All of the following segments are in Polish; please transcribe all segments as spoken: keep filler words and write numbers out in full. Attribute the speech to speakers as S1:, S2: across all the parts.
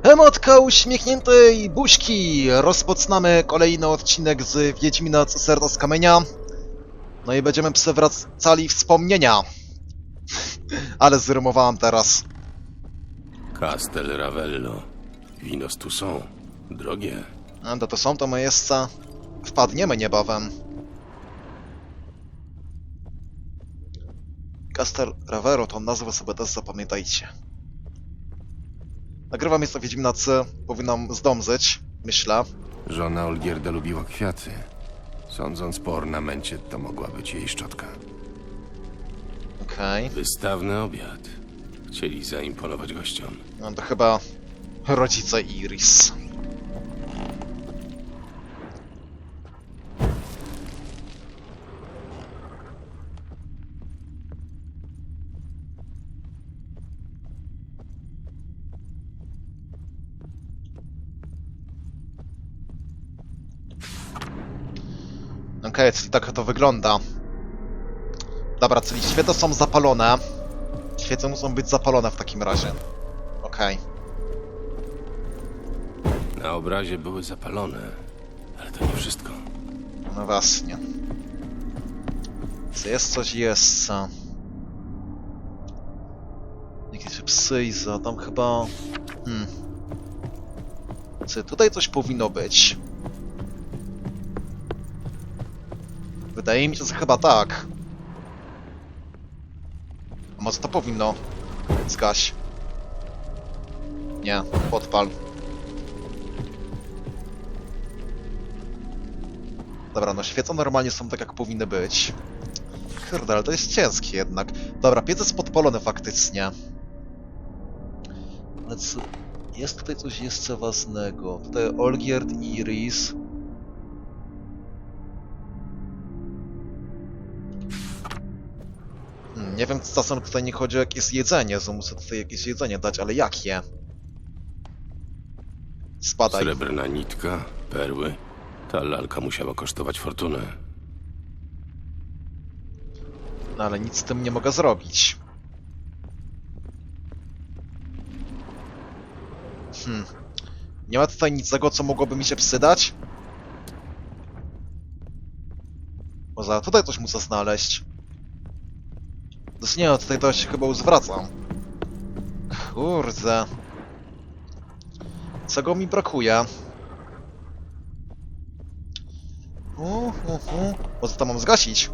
S1: Emotka uśmiechniętej buźki! Rozpoczynamy kolejny odcinek z Wiedźmina Serca z Kamienia. No i będziemy przewracali wspomnienia. Ale zrymowałem teraz.
S2: Castel Ravello. Winos tu są. Drogie.
S1: A to to są to miejsca. Wpadniemy niebawem. Castel Ravello to nazwę sobie też zapamiętajcie. Nagrywam jest to Wiedźmina C. Powinnam zdążyć, myślę.
S2: Żona Olgierda lubiła kwiaty. Sądząc po ornamencie, to mogła być jej szczotka.
S1: Okej.
S2: Wystawny obiad. Chcieli zaimponować gościom.
S1: No to chyba rodzice Iris. Okej, okay, czyli tak to wygląda. Dobra, czyli świece są zapalone. Świece muszą być zapalone w takim razie. Okej. Okay.
S2: Na obrazie były zapalone, ale to nie wszystko.
S1: No właśnie. Co jest coś jest. Jakieś psyjza, tam chyba... Hmm. Co, tutaj coś powinno być. Wydaje mi się, że chyba tak. A może to powinno? Zgaś. Nie, podpal. Dobra, no świece normalnie są tak, jak powinny być. Kurde, ale to jest ciężkie jednak. Dobra, piec jest podpalony faktycznie. Ale co... Jest tutaj coś jeszcze ważnego. Tutaj Olgierd i Iris. Hmm, nie wiem, czasem tutaj nie chodzi o jakieś jedzenie, że muszę tutaj jakieś jedzenie dać, ale jakie? Spadaj.
S2: Srebrna nitka, perły. Ta lalka musiała kosztować fortunę.
S1: No ale nic z tym nie mogę zrobić. Hmm. Nie ma tutaj niczego, co mogłoby mi się przydać? Może tutaj coś muszę znaleźć. Znaczy nie, no tutaj to się chyba zwracam. Kurde. Czego mi brakuje? Uh, uh, uh. Może to mam zgasić?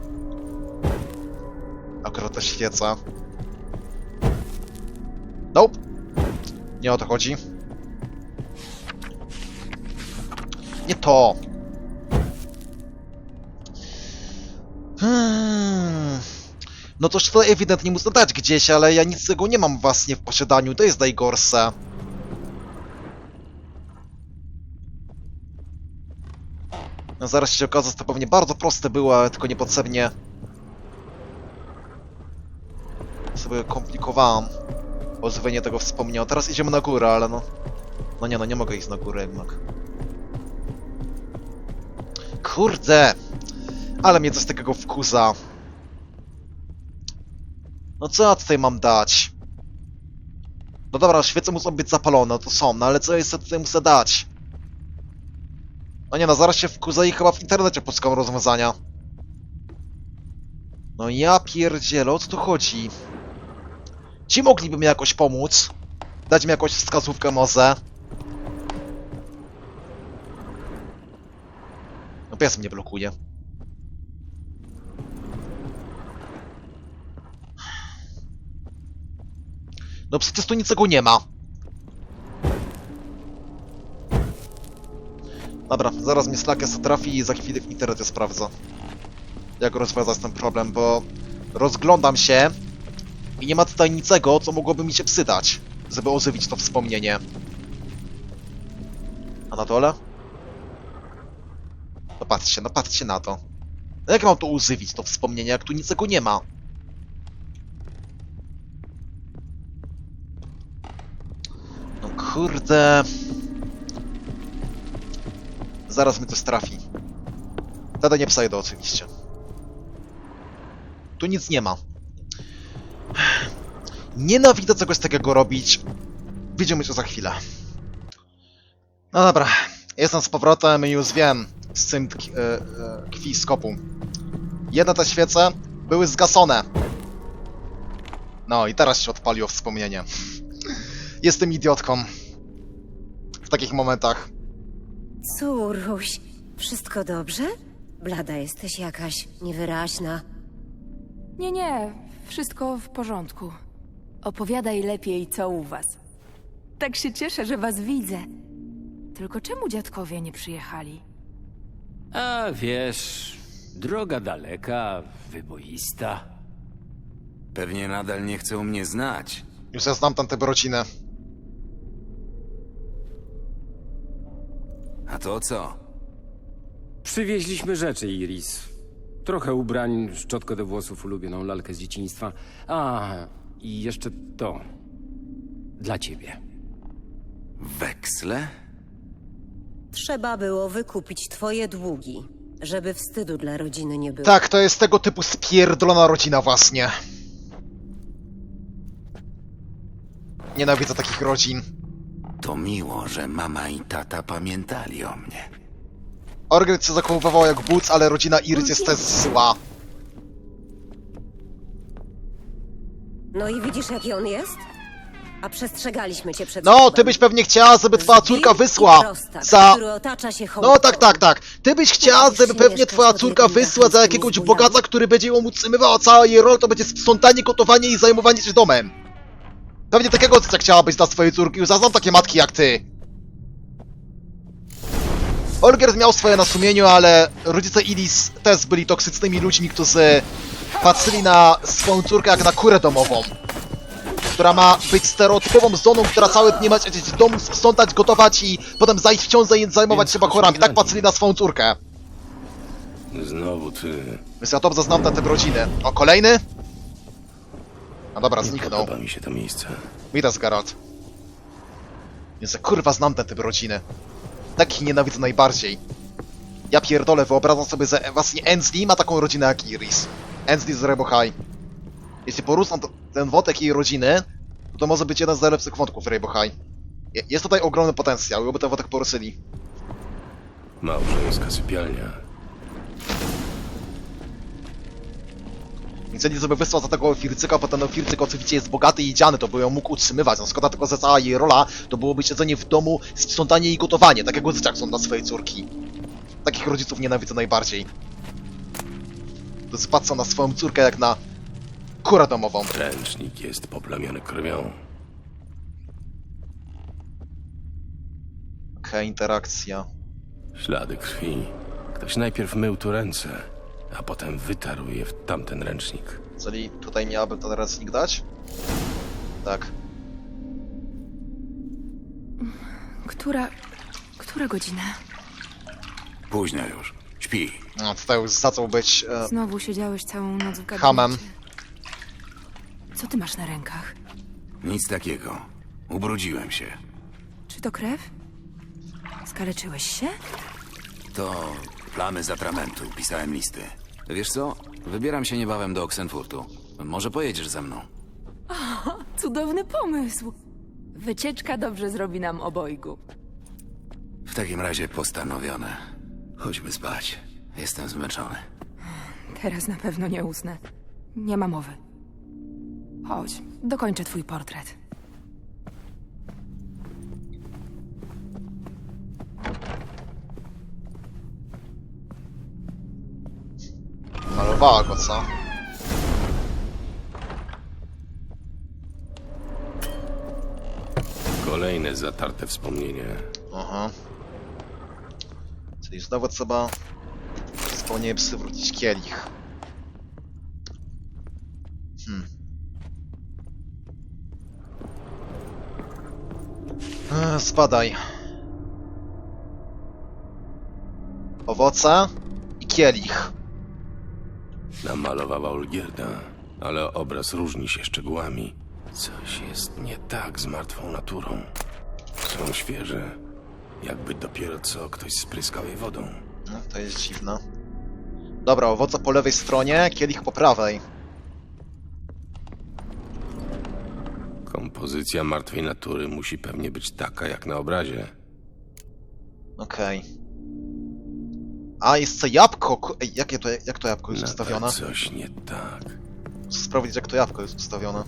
S1: Akurat ta świeca. Nope. Nie o to chodzi. Nie to. Hmm. No toż to ewidentnie muszę dać gdzieś, ale ja nic z tego nie mam właśnie w posiadaniu. To jest najgorsze. No zaraz się okaże, że to pewnie bardzo proste było, ale tylko niepotrzebnie sobie komplikowałem ożywienie tego wspomnienia. Teraz idziemy na górę, ale no... No nie, no nie mogę iść na górę jednak. Kurde! Ale mnie coś takiego wkurza. No co ja tutaj mam dać? No dobra, świece muszą być zapalone, to są, no ale co ja jeszcze tutaj muszę dać? No nie no, zaraz się wkurza i chyba w internecie poszukam rozwiązania. No ja pierdzielę, o co tu chodzi? Ci mogliby mi jakoś pomóc? Dać mi jakąś wskazówkę może? No pies mnie blokuje. No przecież tu niczego nie ma. Dobra, zaraz mnie Slackes trafi i za chwilę w internecie sprawdzę, jak rozwiązać ten problem, bo rozglądam się i nie ma tutaj niczego, co mogłoby mi się przydać, żeby ożywić to wspomnienie. A na dole? No patrzcie, no patrzcie na to. No jak mam to ożywić, to wspomnienie, jak tu niczego nie ma? No kurde... Zaraz mi to trafi. Wtedy nie przejdę oczywiście. Tu nic nie ma. Nienawidzę czegoś takiego robić. Widzimy się za chwilę. No dobra, jestem z powrotem i już wiem, z czym tkwi, e, e, kwi skopu. Jedne te świece były zgasone. No i teraz się odpaliło wspomnienie. Jestem idiotką. W takich momentach.
S3: Córuś, wszystko dobrze? Blada jesteś jakaś niewyraźna.
S4: Nie, nie, wszystko w porządku. Opowiadaj lepiej, co u was. Tak się cieszę, że was widzę. Tylko czemu dziadkowie nie przyjechali?
S5: A wiesz, droga daleka, wyboista.
S6: Pewnie nadal nie chcą mnie znać.
S1: Już ja znam tamtę rodzinę.
S6: A to co?
S5: Przywieźliśmy rzeczy, Iris. Trochę ubrań, szczotkę do włosów, ulubioną lalkę z dzieciństwa. A, i jeszcze to. Dla ciebie.
S6: Weksle?
S3: Trzeba było wykupić twoje długi, żeby wstydu dla rodziny nie było.
S1: Tak, to jest tego typu spierdolona rodzina właśnie. Nienawidzę takich rodzin.
S6: To miło, że mama i tata pamiętali o mnie.
S1: Orgryt się zachowywał jak but, ale rodzina Iris jest też zła.
S3: No i widzisz, jaki on jest? A przestrzegaliśmy cię przed
S1: No,
S3: sobą.
S1: ty byś pewnie chciała, żeby twoja córka
S3: Zbir i
S1: wysła
S3: prostak,
S1: za...
S3: który otacza się hołdem.
S1: No tak, tak, tak. Ty byś chciała, żeby pewnie twoja córka wysła za jakiegoś
S3: Mieszkasz
S1: bogacza, który będzie ją utrzymywał, a cała jej rola to będzie sprzątanie, gotowanie i zajmowanie się domem. Pewnie takiego ojca chciałabyś dla swojej córki, już znam takie matki jak ty. Olgierd miał swoje na sumieniu, ale rodzice Iris też byli toksycznymi ludźmi, którzy patrzyli na swoją córkę jak na kurę domową, która ma być stereotypową żoną, która całe dnie ma siedzieć w domu, sprzątać, gotować i potem zajść w ciążę i zajmować się bachorami. Tak patrzyli na swoją córkę.
S2: Znowu ty.
S1: Więc ja dobrze znam tę tę rodzinę. O, kolejny? No dobra, zniknął.
S2: Podoba mi się to miejsce.
S1: Widać, Geralt. Więc ja kurwa znam tę typ rodziny. Takich nienawidzę najbardziej. Ja pierdolę, wyobrażam sobie, że właśnie Ensley ma taką rodzinę jak Iris. Ensley z Rainbow High. Jeśli porównam to- ten wątek jej rodziny, to może być jeden z najlepszych wątków w Rainbow High. Je- Jest tutaj ogromny potencjał, jakby ten wątek poruszyli.
S2: Małżeńska sypialnia.
S1: Więc jeśli sobie wysłał za tego Fircyka, bo ten Fircyk oczywiście jest bogaty i dziany, to by ją mógł utrzymywać. No szkoda tylko, że cała jej rola to byłoby siedzenie w domu, sprzątanie i gotowanie, tak jak Łyzyczak są dla swojej córki. Takich rodziców nienawidzę najbardziej. To patrzą na swoją córkę jak na kurę domową.
S2: Ręcznik jest poplamiony krwią.
S1: Okej, interakcja.
S2: Ślady krwi. Ktoś najpierw mył tu ręce, a potem wytarł je w tamten ręcznik.
S1: Czyli tutaj miałabym ten ręcznik dać? Tak.
S4: Która... która godzina?
S6: Późno już. Śpi.
S1: No, tutaj już zaczął być... E,
S4: Znowu siedziałeś całą noc w gabinecie.
S1: Hamem.
S4: Co ty masz na rękach?
S6: Nic takiego. Ubrudziłem się.
S4: Czy to krew? Skaleczyłeś się?
S6: To plamy z atramentu. Pisałem listy. Wiesz co? Wybieram się niebawem do Oxenfurtu. Może pojedziesz ze mną?
S4: Cudowny pomysł. Wycieczka dobrze zrobi nam obojgu.
S6: W takim razie postanowione. Chodźmy spać. Jestem zmęczony.
S4: Teraz na pewno nie usnę. Nie ma mowy. Chodź, dokończę twój portret.
S1: malowała go, co?
S2: Kolejne zatarte wspomnienie.
S1: Aha. Czyli znowu trzeba wspomnienie przywrócić kielich. Hmm. Eee, spadaj. Owoce i kielich.
S2: Namalowała Olgierda, ale obraz różni się szczegółami. Coś jest nie tak z martwą naturą. Są świeże, jakby dopiero co ktoś spryskał je wodą.
S1: No, to jest dziwne. Dobra, owoce po lewej stronie, kielich po prawej.
S2: Kompozycja martwej natury musi pewnie być taka jak na obrazie.
S1: Okej. A, jest to jabłko! Ku- Ej, jakie to, jak to jabłko jest ustawione?
S2: Nadal coś nie tak.
S1: Muszę sprawdzić, jak to jabłko jest ustawione.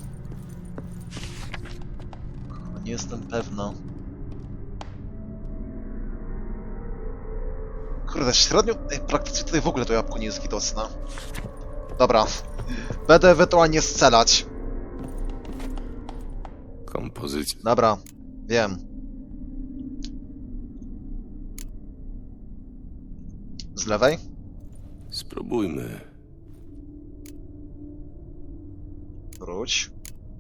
S1: Nie jestem pewna. Kurde, średnio... Ej, praktycznie tutaj w ogóle to jabłko nie jest widoczne. Dobra. Będę ewentualnie strzelać.
S2: Kompozycja.
S1: Dobra, wiem. Z lewej?
S2: Spróbujmy.
S1: Wróć.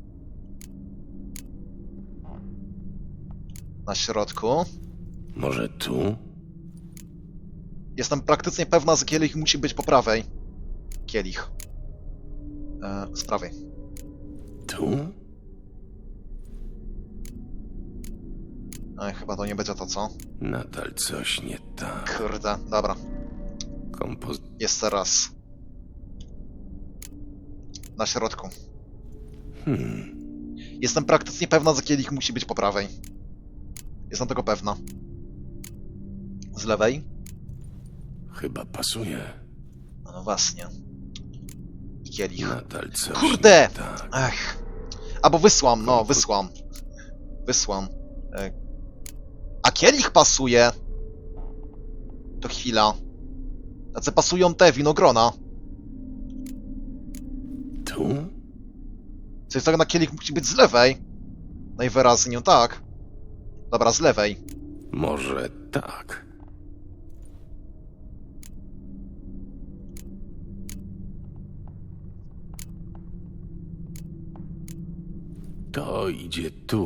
S1: Na środku.
S2: Może tu?
S1: Jestem praktycznie pewna, że kielich musi być po prawej. Kielich. E, z prawej.
S2: Tu?
S1: Ej, chyba to nie będzie to, co?
S2: Nadal coś nie tak.
S1: Kurde, dobra.
S2: Kompoz...
S1: Jeszcze raz. Na środku.
S2: Hmm.
S1: Jestem praktycznie pewna, że kielich musi być po prawej. Jestem tego pewna. Z lewej?
S2: Chyba pasuje.
S1: No właśnie. I kielich.
S2: Nadal coś
S1: Kurde!
S2: nie tak.
S1: Ech. Albo wysłam, no, wysłam. Wysłam. E, A kielich pasuje! To chwila. Tacy pasują te winogrona.
S2: Tu?
S1: Coś tak na kielich musi być z lewej. Najwyraźniej, tak. Dobra, z lewej.
S2: Może tak. To idzie tu.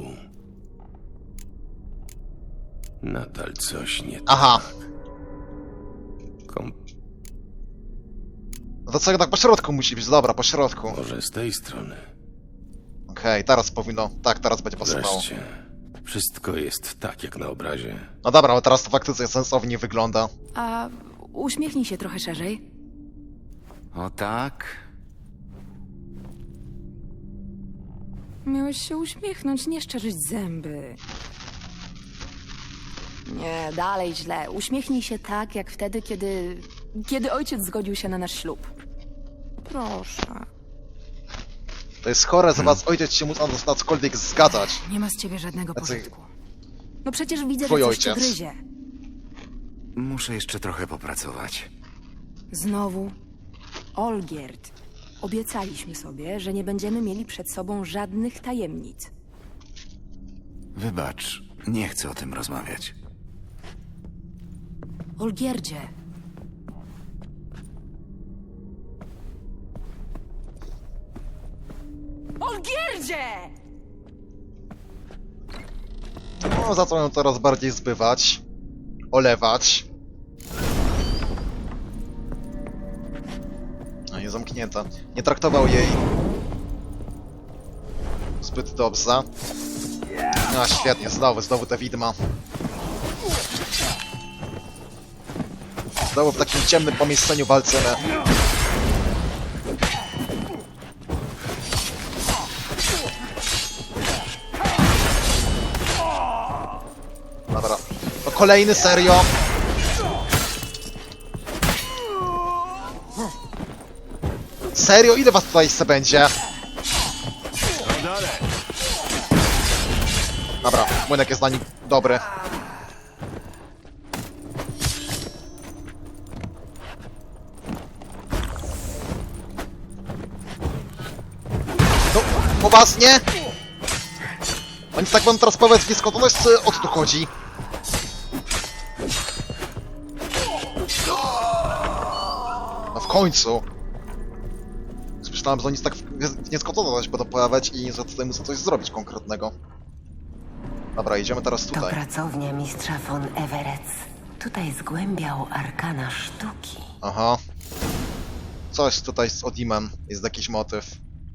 S2: Nadal coś nie
S1: Aha.
S2: tak. Kom...
S1: No to co tak po środku musi być? Dobra, po środku. Okej,
S2: Może z tej strony.
S1: teraz powinno... Tak, teraz będzie pasowało.
S2: Wreszcie. Wszystko jest tak jak na obrazie.
S1: No dobra, ale teraz to faktycznie sensownie wygląda.
S4: A uśmiechnij się trochę szerzej.
S6: O tak?
S4: Miałeś się uśmiechnąć, nie szczerzyć zęby. Nie, dalej źle. Uśmiechnij się tak, jak wtedy, kiedy... kiedy ojciec zgodził się na nasz ślub. Proszę.
S1: To jest chore, że was ojciec się musi na cokolwiek zgadzać.
S4: Nie ma z ciebie żadnego
S1: Tacy-
S4: pożytku. No przecież widzę,
S1: Twój
S4: że coś cię
S1: ojciec.
S4: gryzie.
S6: Muszę jeszcze trochę popracować.
S4: Znowu. Olgierd. Obiecaliśmy sobie, że nie będziemy mieli przed sobą żadnych tajemnic.
S6: Wybacz, nie chcę o tym rozmawiać.
S4: Olgierdzie. Olgierdzie!
S1: No, zacząłem ją coraz bardziej zbywać. Olewać. No i zamknięta. Nie traktował jej zbyt dobrze. No świetnie, znowu, znowu te widma. Znowu w takim ciemnym pomieszczeniu walczymy. Dobra. To kolejny, serio. Serio? Ile was tutaj jeszcze będzie? Dobra, młynek jest na nim dobry. No, poważnie? Oni tak wam teraz powiedz nieskończoność, czy o co tu chodzi? No w końcu. Myślałem, że oni tak w nieskończoność będą pojawiać i że tutaj muszę coś zrobić konkretnego. Dobra, idziemy teraz
S7: To
S1: tutaj.
S7: pracownia mistrza von Everett. Tutaj zgłębiał arkana sztuki.
S1: Aha. Coś tutaj z Odimem. Jest jakiś motyw.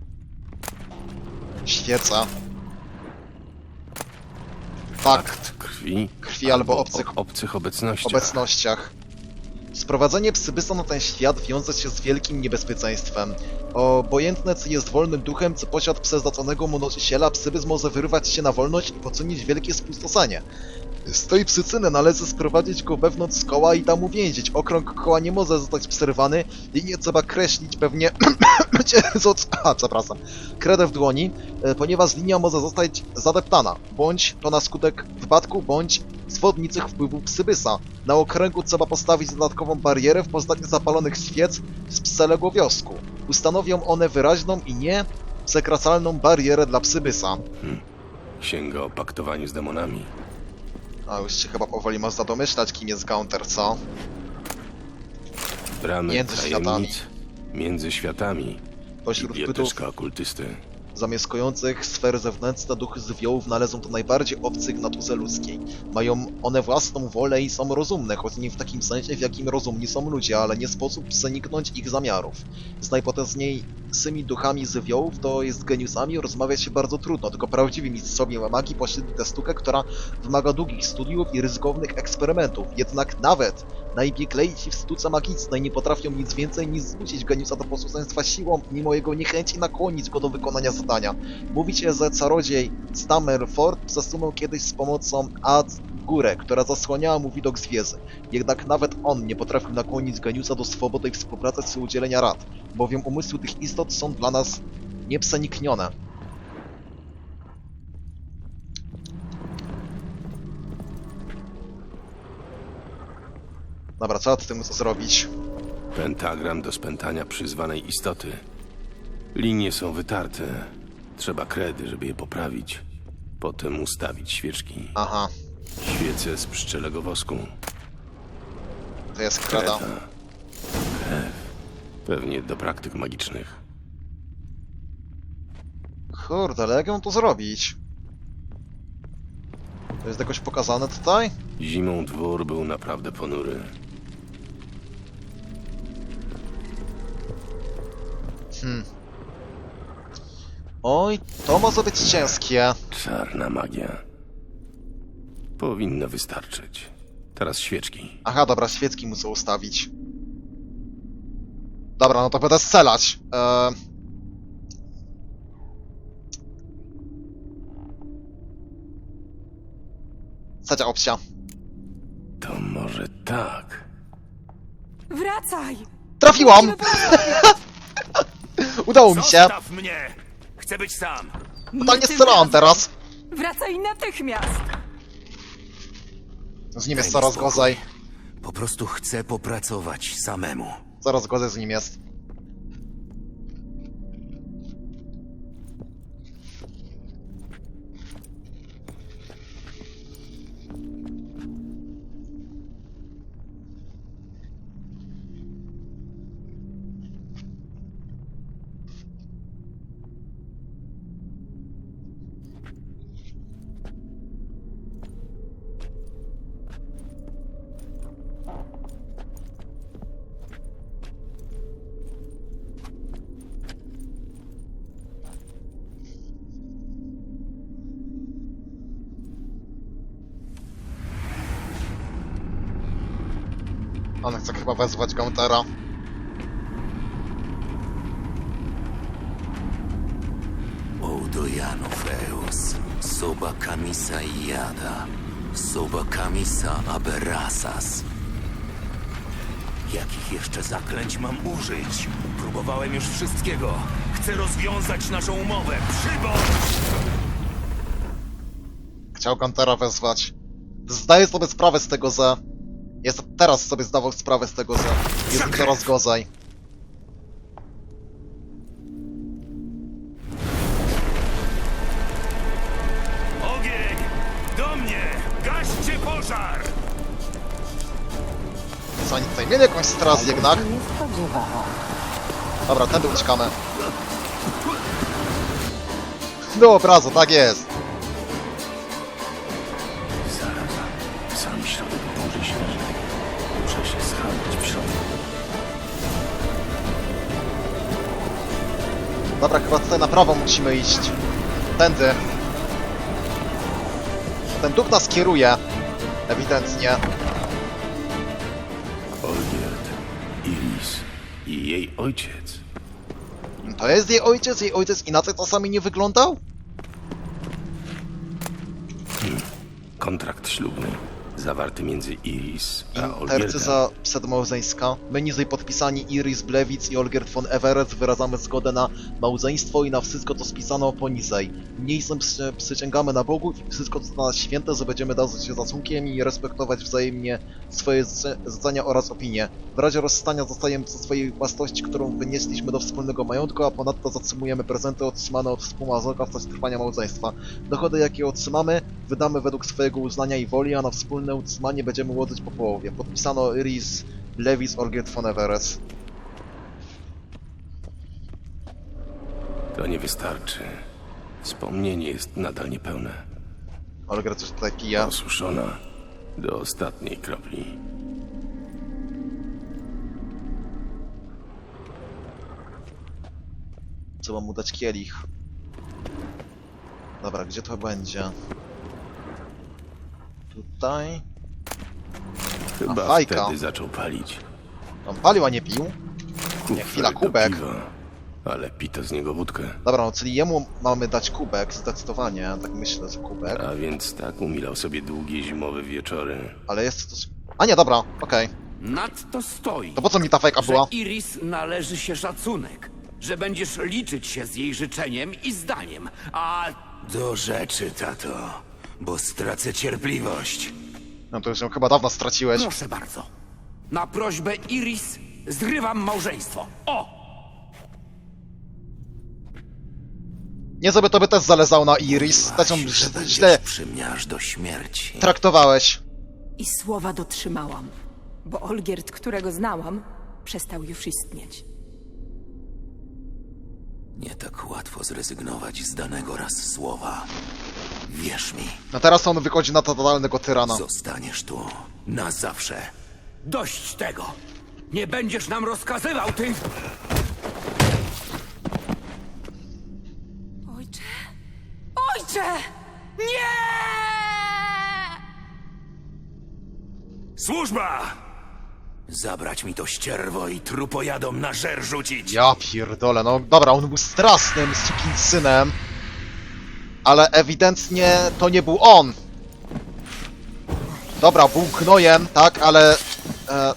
S1: Świeca. Fakt.
S2: Krwi.
S1: Krwi albo obcych
S2: o, obcych obecnościach.
S1: obecnościach. Sprowadzenie psybysa na ten świat wiąże się z wielkim niebezpieczeństwem. Obojętne, czy jest wolnym duchem, czy posiad przeznaczonego mu nosiciela, psybys może wyrwać się na wolność i poczynić wielkie spustoszenie. Stoi psycyny, należy sprowadzić go wewnątrz koła i tam uwięzić. Okrąg koła nie może zostać przerwany, linię trzeba kreślić pewnie... A, przepraszam. Kredę w dłoni, e, ponieważ linia może zostać zadeptana, bądź to na skutek wypadku, bądź zwodniczych wpływów psybysa. Na okręgu trzeba postawić dodatkową barierę w postaci zapalonych świec z pselego wiosku. Ustanowią one wyraźną i nie przekraczalną barierę dla psybysa.
S2: Księga o paktowaniu z demonami.
S1: A już się chyba powoli można domyślać, kim jest Gaunter, co?
S2: Bramy
S1: Między światami.
S2: tajemnic, między światami.
S1: Pośród bytów
S2: Biblioteczka okultysty.
S1: zamieszkujących sfery zewnętrzne duchy żywiołów należą do najbardziej obcych w naturze ludzkiej. Mają one własną wolę i są rozumne, choć nie w takim sensie, w jakim rozumni są ludzie, ale nie sposób przeniknąć ich zamiarów. Z najpotężniejszymi duchami żywiołów, to jest geniuszami, rozmawiać się bardzo trudno, tylko prawdziwi mistrzowie magii pośredli tę sztukę, która wymaga długich studiów i ryzykownych eksperymentów. Jednak nawet najbieglejsi w sztuce magicznej nie potrafią nic więcej niż zmusić geniusza do posłuszeństwa siłą, mimo jego niechęci nakłonić go do wykonania zadania. Mówicie, że czarodziej Stammerford przesunął kiedyś z pomocą Ad górę, która zasłaniała mu widok z wieży. Jednak nawet on nie potrafił nakłonić geniusza do swobody i współpracy czy udzielenia rad, bowiem umysły tych istot są dla nas nieprzeniknione. Dobra, trzeba z tym co zrobić.
S2: Pentagram do spętania przyzwanej istoty. Linie są wytarte. Trzeba kredy, żeby je poprawić. Potem ustawić świeczki.
S1: Aha,
S2: Świece z pszczelego wosku.
S1: to jest kreda.
S2: Kreta. Krew. Pewnie do praktyk magicznych.
S1: Kurde, ale jak ją to zrobić? To jest jakoś pokazane tutaj?
S2: Zimą dwór był naprawdę ponury.
S1: Hmm. Oj, to może być ciężkie.
S2: Czarna magia. Powinno wystarczyć. Teraz świeczki.
S1: Aha, dobra, świecki muszę ustawić. Dobra, no to będę strzelać. Eee... Trzecia opcja.
S2: To może tak.
S4: Wracaj!
S1: Trafiłam!
S4: Musimy porozmawiać.
S1: Udało mi się.
S6: Zostaw mnie! Chcę być sam!
S1: Totalnie
S4: tym
S1: strzelałam
S4: razem.
S1: teraz.
S4: Wracaj natychmiast!
S1: Z nim jest
S6: Daj mi
S1: coraz
S6: spokój.
S1: gorzej.
S6: Po prostu chcę popracować samemu.
S1: Coraz gorzej z nim jest. On chce chyba wezwać Gauntera.
S6: Oudojanoveus, soba kamisa iada, soba kamisa aberasas. Jakich jeszcze zaklęć mam użyć? Próbowałem już wszystkiego. Chcę rozwiązać naszą umowę. Przybądź!
S1: Chciał Gauntera wezwać. Zdaję sobie sprawę z tego, że... Jest teraz sobie zdawał sprawę z tego, że jest mi coraz gorzej.
S6: Ogień! Do mnie! Gaście pożar!
S1: Co oni tutaj mieli jakąś straż jednak?
S7: Nie spodziewałam.
S1: Dobra, tędy uciekamy. Do obrazu, tak jest.
S2: Zaraz. Sam środek burzy śnieżnej. Muszę się schronić w środku.
S1: Dobra, chyba tutaj na prawo musimy iść. Tędy. Ten duch nas kieruje. Ewidentnie.
S2: Olgierd, Iris i jej ojciec.
S1: To jest jej ojciec? Jej ojciec inaczej czasami nie wyglądał?
S2: Kontrakt ślubny, zawarty między Iris a Olgierdem.
S1: Intercyza przedmałżeńska. My niżej podpisani Iris Blewic i Olgierd von Everett wyrażamy zgodę na małżeństwo i na wszystko to spisano poniżej. Niniejszym przy, przysięgamy na Bogu i wszystko to na nas święte, że będziemy darzyć się szacunkiem i respektować wzajemnie swoje życzenia oraz opinie. W razie rozstania zostajemy przy swojej własności, którą wynieśliśmy do wspólnego majątku, a ponadto zatrzymujemy prezenty otrzymane od współmałżonka w czasie trwania małżeństwa. Dochody, jakie otrzymamy, wydamy według swojego uznania i woli, a na wspólne utrzymanie będziemy łożyć po połowie. Podpisano Iris Blewic, Olgierd von Everett.
S2: To nie wystarczy. Wspomnienie jest nadal niepełne.
S1: Olgierd coś tutaj pije.
S2: Osuszona do ostatniej kropli.
S1: Trzeba mu dać kielich. Dobra, gdzie to będzie? Tutaj.
S2: Chyba
S1: fajka.
S2: wtedy zaczął palić.
S1: On palił, a nie pił? Nie, chwila,
S2: Kufel do
S1: kubek.
S2: piwa, ale pito z niego wódkę.
S1: Dobra, no czyli jemu mamy dać kubek, zdecydowanie, tak myślę, że kubek.
S2: A więc tak umilał sobie długie zimowe wieczory.
S1: Ale jest coś... A nie, dobra, okej.
S8: Nadto stoi,
S1: To po co mi ta fejka
S8: że
S1: była?
S8: Iris należy się szacunek, że będziesz liczyć się z jej życzeniem i zdaniem, a...
S6: Do rzeczy, tato, bo stracę cierpliwość.
S1: No to już ją chyba dawno straciłeś.
S8: Proszę bardzo. Na prośbę Iris zrywam małżeństwo. O!
S1: Nie żeby to by też zależało na Iris. Też ją
S6: Właśnie, że
S1: źle,
S6: będziesz
S1: źle
S6: przy mnie aż do śmierci.
S1: traktowałeś.
S4: I słowa dotrzymałam, bo Olgierd, którego znałam, przestał już istnieć.
S6: Nie tak łatwo zrezygnować z danego raz słowa. Wierz mi,
S1: No teraz on wychodzi na totalnego tyrana.
S6: zostaniesz tu na zawsze.
S8: Dość tego! Nie będziesz nam rozkazywał, ty...
S4: Ojcze! Ojcze! Nie!
S6: Służba! Zabrać mi to ścierwo i trupojadom na żer rzucić.
S1: Ja pierdolę, no dobra, on był strasznym sukinsynem. Ale ewidentnie to nie był on. Dobra, był gnojem, tak, ale... E...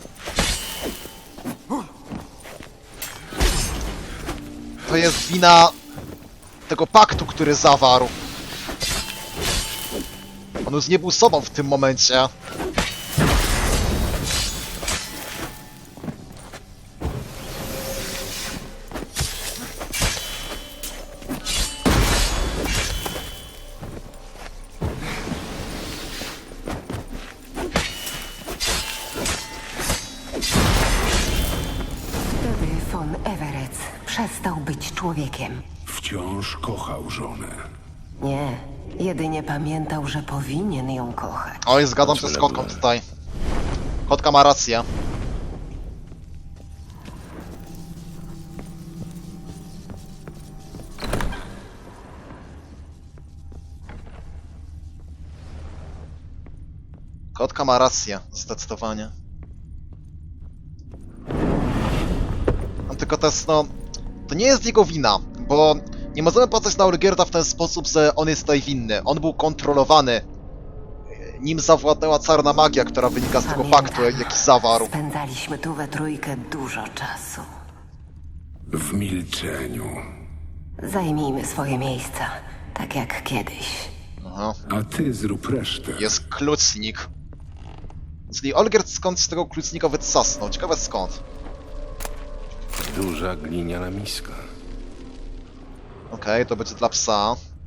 S1: To jest wina tego paktu, który zawarł. On już nie był sobą w tym momencie.
S7: Wtedy von Everett przestał być człowiekiem.
S9: Wciąż kochał żonę.
S7: Nie, jedynie pamiętał, że powinien ją kochać.
S1: Oj, zgadzam się z kotką tutaj. Kotka ma rację. Kotka ma rację, zdecydowanie. No tylko to jest, no... To nie jest jego wina, bo nie możemy patrzeć na Olgierda w ten sposób, że on jest tutaj winny. On był kontrolowany. Nim zawładnęła czarna magia, która wynika z tego
S7: Pamiętam.
S1: paktu, jaki zawarł.
S7: Spędzaliśmy tu we trójkę dużo czasu.
S9: W milczeniu.
S7: Zajmijmy swoje miejsca, tak jak kiedyś.
S1: Aha.
S9: A ty zrób resztę.
S1: Jest klucznik. Czyli Olgierd skądś tego klucznika wytrzasnął. Ciekawe skąd.
S2: Duża gliniana miska.
S1: Okej, to będzie dla psa.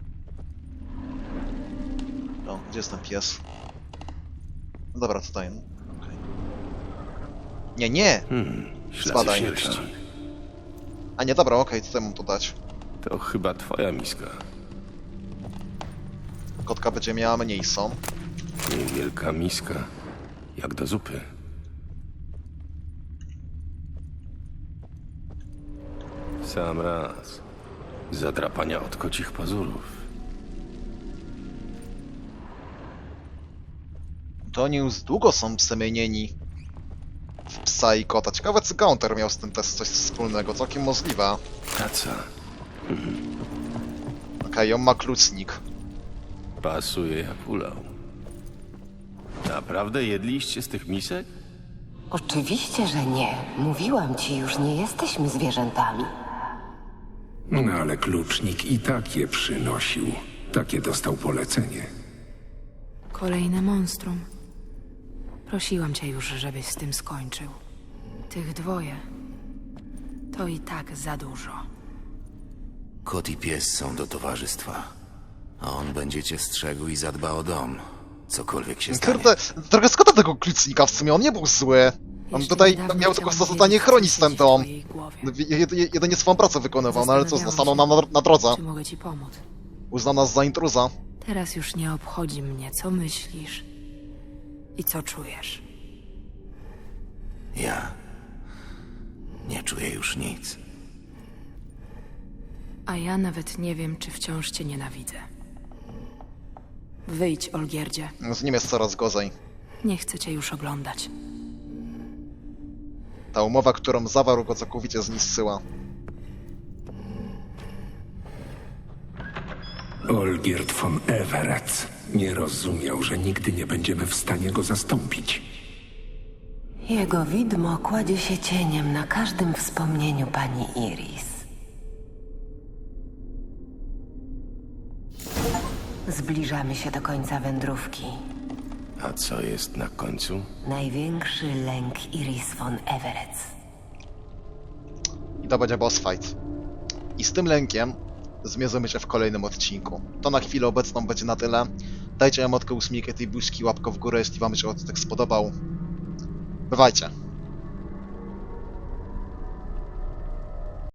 S1: O, gdzie jest ten pies? No dobra, tutaj. Okej. Nie, nie!
S2: Hmm, ślady
S1: Spadaj.
S2: sierści.
S1: A nie, dobra, okej, tutaj mam to dać.
S2: To chyba twoja miska.
S1: Kotka będzie miała mniejszą.
S2: Niewielka miska. Jak do zupy. Sam raz. Zadrapania od kocich pazurów.
S1: To oni już długo są przemienieni w psa i kota. Ciekawe, czy Gaunter miał z tym też coś wspólnego. Całkiem możliwe.
S2: Kaca.
S1: Okej, on ma klucznik.
S2: Pasuje jak ulał. Naprawdę jedliście z tych misek?
S7: Oczywiście, że nie. Mówiłam ci już, nie jesteśmy zwierzętami.
S9: No ale klucznik i tak je przynosił. Takie dostał polecenie.
S4: Kolejne monstrum. Prosiłam cię już, żebyś z tym skończył. Tych dwoje. To i tak za dużo.
S6: Kot i pies są do towarzystwa. A on będzie cię strzegł i zadba o dom. Cokolwiek się stanie.
S1: Kurde, trochę szkoda tego klucznika w sumie, on nie był zły. On
S4: Jeszcze
S1: tutaj
S4: niedawno
S1: miał tylko
S4: chciałam
S1: zadanie
S4: wiedzieć,
S1: chronić
S4: co
S1: ten
S4: siedzi w
S1: dom.
S4: twojej głowie.
S1: Jed- jed- Jedynie swoją pracę wykonywał, no ale co,
S4: Zastanawiałam
S1: stanął nam na, na drodze.
S4: Czy mogę ci pomóc?
S1: Uznał nas za intruza.
S4: Teraz już nie obchodzi mnie, co myślisz i co czujesz.
S6: Ja nie czuję już nic.
S4: A ja nawet nie wiem, czy wciąż cię nienawidzę. Wyjdź, Olgierdzie.
S1: Z nim jest coraz gorzej.
S4: Nie chcę cię już oglądać.
S1: Ta umowa, którą zawarł, go całkowicie zniszczyła.
S9: Olgierd von Everec nie rozumiał, że nigdy nie będziemy w stanie go zastąpić.
S7: Jego widmo kładzie się cieniem na każdym wspomnieniu pani Iris. Zbliżamy się do końca wędrówki.
S2: A co jest na końcu?
S7: Największy lęk Iris von Everec.
S1: I to będzie boss fight. I z tym lękiem zmierzymy się w kolejnym odcinku. To na chwilę obecną będzie na tyle. Dajcie emotkę ósmijkę tej buźki, łapkę w górę, jeśli wam się odcinek spodobał. Bywajcie.